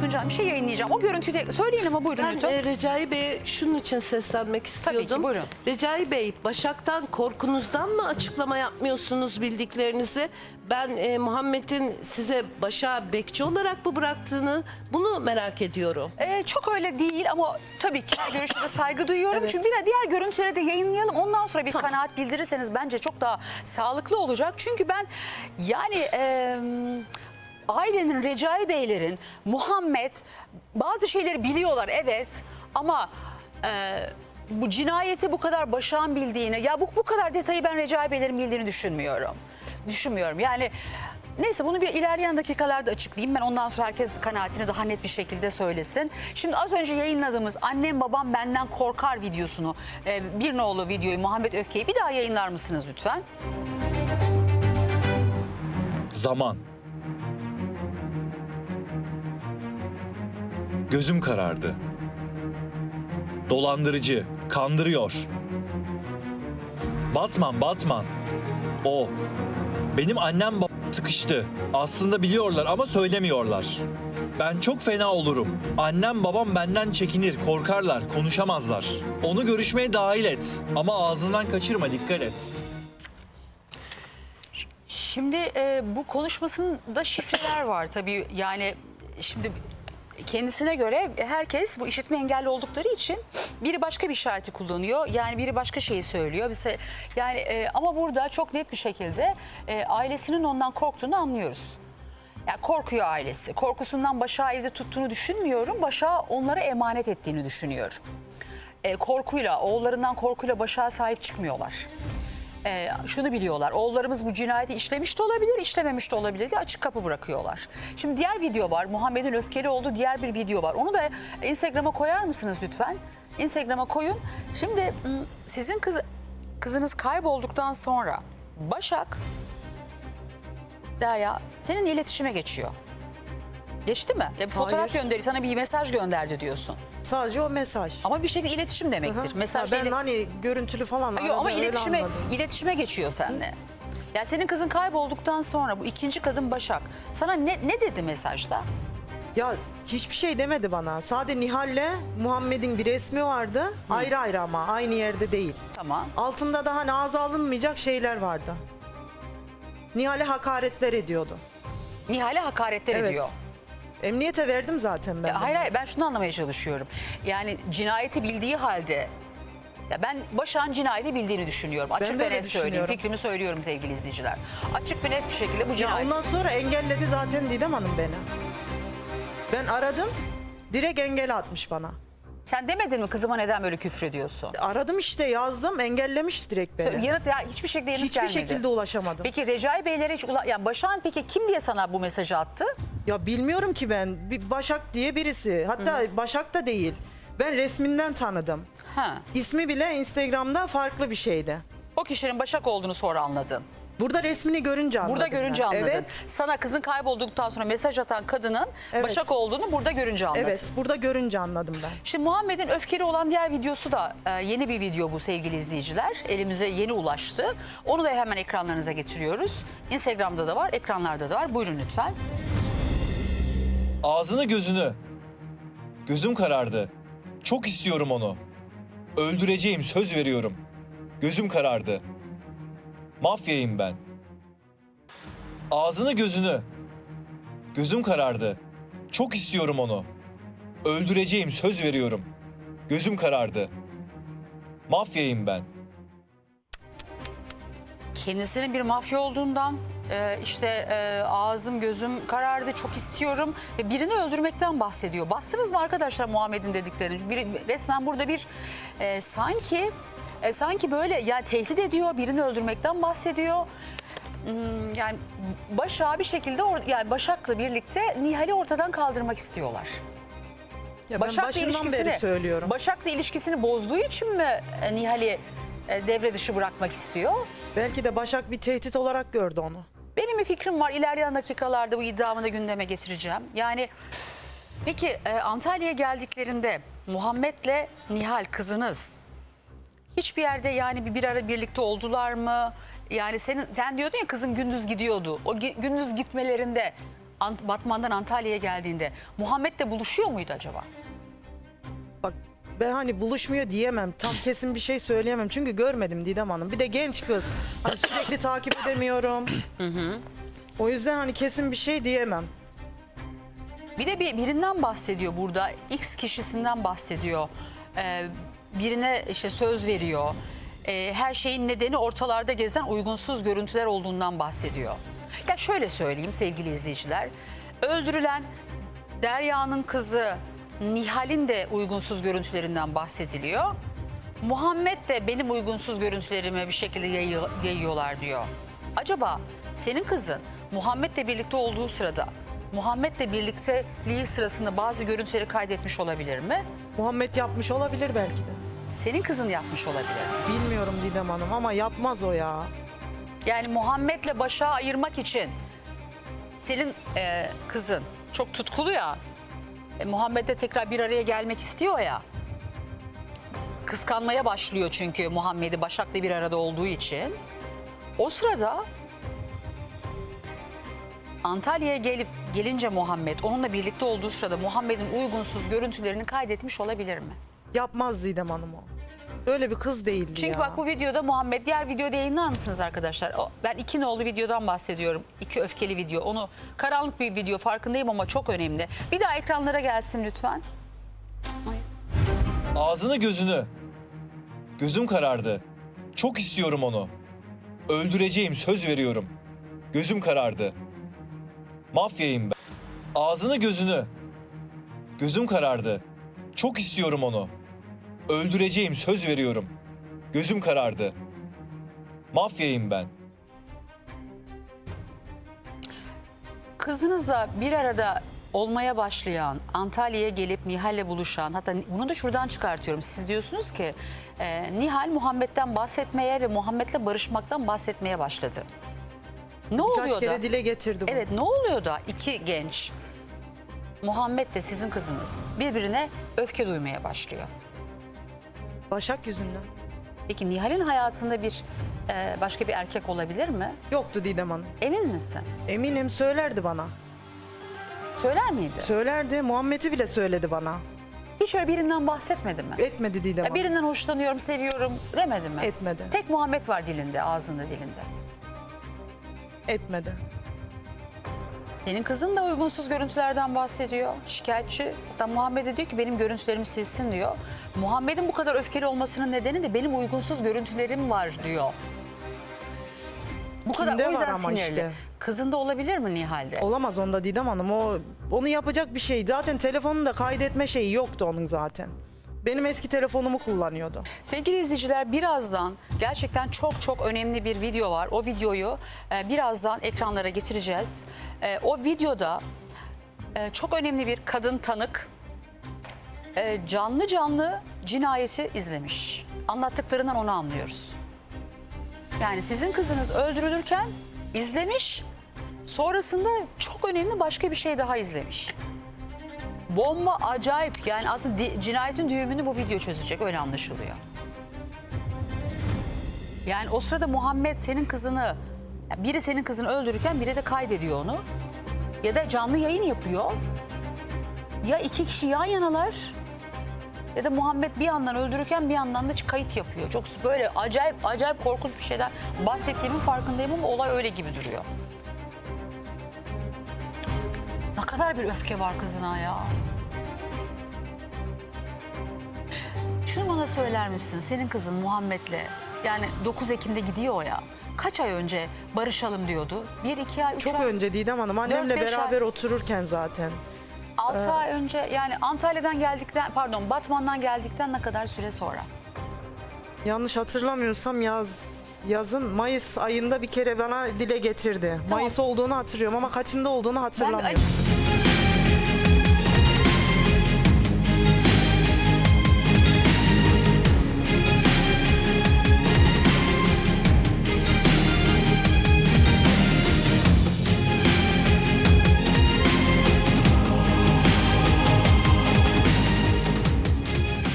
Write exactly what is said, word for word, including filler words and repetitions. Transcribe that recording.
Tuncay bir şey yayınlayacağım. O görüntüyü de söyleyin ama buyurun Ben lütfen. e, Recai Bey'e şunun için seslenmek istiyordum. Tabii ki, buyurun. Recai Bey, Başak'tan korkunuzdan mı açıklama yapmıyorsunuz bildiklerinizi? Ben e, Muhammed'in size Başak'ı bekçi olarak mı bıraktığını bunu merak ediyorum. Ee, çok öyle değil ama tabii ki görüşe de saygı duyuyorum. Evet. Çünkü bir diğer görüntüleri de yayınlayalım. Ondan sonra bir Tamam. kanaat bildirirseniz bence çok daha sağlıklı olacak. Çünkü ben yani... E, ailenin, Recai Beylerin, Muhammed bazı şeyleri biliyorlar evet ama e, bu cinayeti bu kadar Başak'ın bildiğini, ya bu, bu kadar detayı ben Recai Beylerin bildiğini düşünmüyorum. Düşünmüyorum yani. Neyse bunu bir ilerleyen dakikalarda açıklayayım. Ben ondan sonra herkes kanaatini daha net bir şekilde söylesin. Şimdi az önce yayınladığımız annem babam benden korkar videosunu, e, bir nolu videoyu, Muhammed Öfke'yi bir daha yayınlar mısınız lütfen? Zaman. Gözüm karardı. Dolandırıcı, kandırıyor. Batman, Batman. O. Benim annem babam sıkıştı. Aslında biliyorlar ama söylemiyorlar. Ben çok fena olurum. Annem babam benden çekinir, korkarlar, konuşamazlar. Onu görüşmeye dahil et. Ama ağzından kaçırma, dikkat et. Şimdi e, bu konuşmasında şifreler var tabii yani şimdi kendisine göre herkes bu işitme engelli oldukları için biri başka bir işareti kullanıyor yani biri başka şeyi söylüyor bize yani e, ama burada çok net bir şekilde e, ailesinin ondan korktuğunu anlıyoruz. Yani korkuyor ailesi. Korkusundan Başak'ı evde tuttuğunu düşünmüyorum. Başak'ı onlara emanet ettiğini düşünüyorum. E, korkuyla, oğullarından korkuyla Başak'a sahip çıkmıyorlar. Ee, şunu biliyorlar, oğullarımız bu cinayeti işlemiş de olabilir, işlememiş de olabilir diye açık kapı bırakıyorlar. Şimdi diğer video var, Muhammed'in öfkeli olduğu diğer bir video var. Onu da Instagram'a koyar mısınız lütfen? Instagram'a koyun. Şimdi sizin kız, kızınız kaybolduktan sonra Başak, Derya seninle iletişime geçiyor. Geçti mi? Ya bir fotoğraf gönderiyor, sana bir mesaj gönderdi diyorsun. Sadece o mesaj. Ama bir şekilde iletişim demektir. Hı hı. Mesaj Ha, ben ile- hani görüntülü falan Yok, aradı, ama öyle iletişime, anladım. iletişime geçiyor seninle. Ya senin kızın kaybolduktan sonra bu ikinci kadın Başak sana ne, ne dedi mesajda? Ya hiçbir şey demedi bana. Sadece Nihal'le Muhammed'in bir resmi vardı. Ayrı ayrı ama aynı yerde değil. Tamam. Altında da hani ağza alınmayacak şeyler vardı. Nihal'e hakaretler ediyordu. Nihal'e hakaretler Evet. ediyor. Emniyete verdim zaten ben. Ya de. hayır hayır ben şunu anlamaya çalışıyorum. Yani cinayeti bildiği halde ya ben Başak'ın cinayeti bildiğini düşünüyorum. Açık de ve öyle net söyleyeyim. düşünüyorum. Fikrimi söylüyorum sevgili izleyiciler. Açık ve net bir şekilde bu Ya cinayet. ondan sonra engelledi zaten Didem Hanım beni. Ben aradım. Direkt engel atmış bana. Sen demedin mi kızıma neden böyle küfür ediyorsun? Aradım işte yazdım engellemiş direkt beni. Yanıt ya hiçbir şekilde yanıt Hiçbir gelmedi. şekilde ulaşamadım. Peki Recai Beylere hiç ula... yani Başak'ın peki kim diye sana bu mesajı attı? Ya bilmiyorum ki ben. Bir Başak diye birisi. Hatta Başak da değil. Ben resminden tanıdım. Ha. İsmi bile Instagram'da farklı bir şeydi. O kişinin Başak olduğunu sonra anladın. Burada resmini görünce anladım. Burada görünce ben. anladın. Evet. Sana kızın kaybolduktan sonra mesaj atan kadının Evet. Başak olduğunu burada görünce anladın. Evet, burada görünce anladım ben. Şimdi Muhammed'in öfkeli olan diğer videosu da e, yeni bir video bu sevgili izleyiciler. Elimize yeni ulaştı. Onu da hemen ekranlarınıza getiriyoruz. Instagram'da da var, ekranlarda da var. Buyurun lütfen. Ağzını gözünü. Gözüm karardı. Çok istiyorum onu. Öldüreceğim, söz veriyorum. Gözüm karardı. Mafyayım ben. Ağzını gözünü. Gözüm karardı. Çok istiyorum onu. Öldüreceğim, söz veriyorum. Gözüm karardı. Mafyayım ben. Kendisinin bir mafya olduğundan e, işte e, ağzım gözüm karardı çok istiyorum ve birini öldürmekten bahsediyor. Bastınız mı arkadaşlar Muhammed'in dediklerini? Bir, resmen burada bir e, sanki e, sanki böyle yani tehdit ediyor, birini öldürmekten bahsediyor. Hmm, yani Başak'ı bir şekilde or- yani Başak'la birlikte Nihal'i ortadan kaldırmak istiyorlar. Ya ben Başak'la başından ilişkisini beri söylüyorum. Başak'la ilişkisini bozduğu için mi e, Nihal'i e, devre dışı bırakmak istiyor? Belki de Başak bir tehdit olarak gördü onu. Benim bir fikrim var. İlerleyen dakikalarda bu iddiamı da gündeme getireceğim. Yani peki e, Antalya'ya geldiklerinde Muhammed'le Nihal kızınız hiçbir yerde yani bir, bir ara birlikte oldular mı? Yani senin sen diyordun ya kızım gündüz gidiyordu. O gi- gündüz gitmelerinde Ant- Batman'dan Antalya'ya geldiğinde Muhammed'le buluşuyor muydu acaba? Bak ben hani buluşmuyor diyemem. Tam kesin bir şey söyleyemem. Çünkü görmedim Didem Hanım. Bir de genç kız. Hani sürekli takip edemiyorum. O yüzden hani kesin bir şey diyemem. Bir de bir, birinden bahsediyor burada. X kişisinden bahsediyor. Ee, birine işte söz veriyor. Ee, her şeyin nedeni ortalarda gezen uygunsuz görüntüler olduğundan bahsediyor. Ya şöyle söyleyeyim sevgili izleyiciler. Öldürülen Derya'nın kızı Nihal'in de uygunsuz görüntülerinden bahsediliyor. Muhammed de benim uygunsuz görüntülerimi bir şekilde yayıyor- yayıyorlar diyor. Acaba senin kızın Muhammed'le birlikte olduğu sırada Muhammed'le birlikteliği sırasında bazı görüntüleri kaydetmiş olabilir mi? Muhammed yapmış olabilir belki de. Senin kızın yapmış olabilir mi? Bilmiyorum Didem Hanım ama yapmaz o ya. Yani Muhammed'le Başak'ı ayırmak için senin e, kızın çok tutkulu ya. E, Muhammed'le tekrar bir araya gelmek istiyor ya. Kıskanmaya başlıyor çünkü Muhammed'i Başak'la bir arada olduğu için. O sırada Antalya'ya gelip gelince Muhammed onunla birlikte olduğu sırada Muhammed'in uygunsuz görüntülerini kaydetmiş olabilir mi? Yapmaz Didem Hanım o. Öyle bir kız değildi Çünkü ya. bak bu videoda Muhammed, diğer videoda yayınlar mısınız arkadaşlar? O- Ben iki nolu videodan bahsediyorum. İki öfkeli video. Onu karanlık bir video farkındayım ama çok önemli. Bir daha ekranlara gelsin lütfen. Ağzını gözünü. Gözüm karardı. Çok istiyorum onu. Öldüreceğim, söz veriyorum. Gözüm karardı. Mafyayım ben. Ağzını gözünü. Gözüm karardı. Çok istiyorum onu. Öldüreceğim, söz veriyorum. Gözüm karardı. Mafyayım ben. Kızınızla bir arada olmaya başlayan, Antalya'ya gelip Nihal'le buluşan, hatta bunu da şuradan çıkartıyorum. Siz diyorsunuz ki e, Nihal Muhammed'den bahsetmeye ve Muhammed'le barışmaktan bahsetmeye başladı. Ne Birkaç oluyor kere da? dile getirdi bunu. Evet, ne oluyor da iki genç, Muhammed de sizin kızınız, birbirine öfke duymaya başlıyor? Başak yüzünden. Peki Nihal'in hayatında bir e, başka bir erkek olabilir mi? Yoktu Didem Hanım. Emin misin? Eminim söylerdi bana. Söyler miydi? Söylerdi. Muhammed'i bile söyledi bana. Hiç öyle birinden bahsetmedi mi? Etmedi Didem Ya Hanım. birinden hoşlanıyorum, seviyorum demedi mi? Etmedi. Tek Muhammed var dilinde, ağzında, dilinde. Etmedi. Senin kızın da uygunsuz görüntülerden bahsediyor. Şikayetçi. Hatta Muhammed'e diyor ki benim görüntülerimi silsin diyor. Muhammed'in bu kadar öfkeli olmasının nedeni de benim uygunsuz görüntülerim var diyor. Bu kadar Kimde o yüzden var ama sinirli. işte. Kızında olabilir mi Nihal'de? Olamaz onda Didem Hanım. O onu yapacak bir şey. Zaten telefonunda kaydetme şeyi yoktu onun zaten. Benim eski telefonumu kullanıyordu. Sevgili izleyiciler, birazdan gerçekten çok çok önemli bir video var. O videoyu e, birazdan ekranlara getireceğiz. E, o videoda e, çok önemli bir kadın tanık e, canlı canlı cinayeti izlemiş. Anlattıklarından onu anlıyoruz. Yani sizin kızınız öldürülürken izlemiş, sonrasında çok önemli başka bir şey daha izlemiş. Bomba acayip, yani aslında di- cinayetin düğümünü bu video çözecek, öyle anlaşılıyor. Yani o sırada Muhammed senin kızını, yani biri senin kızını öldürürken biri de kaydediyor onu. Ya da canlı yayın yapıyor. Ya iki kişi yan yanalar ya da Muhammed bir yandan öldürürken bir yandan da kayıt yapıyor. Çok böyle acayip acayip korkunç bir şeyler bahsettiğimin farkındayım ama olay öyle gibi duruyor. Ne kadar bir öfke var kızına ya. Şunu bana söyler misin? Senin kızın Muhammed'le, yani dokuz Ekim'de gidiyor ya. Kaç ay önce barışalım diyordu? Bir, iki ay, üç Çok ay. önce Didem Hanım annemle Dört, beş beraber ay. otururken zaten. Altı ay önce, yani Antalya'dan geldikten, pardon Batman'dan geldikten ne kadar süre sonra? Yanlış hatırlamıyorsam yaz yazın Mayıs ayında bir kere bana dile getirdi. Mayıs olduğunu hatırlıyorum ama kaçında olduğunu Ben hatırlamıyorum. bir-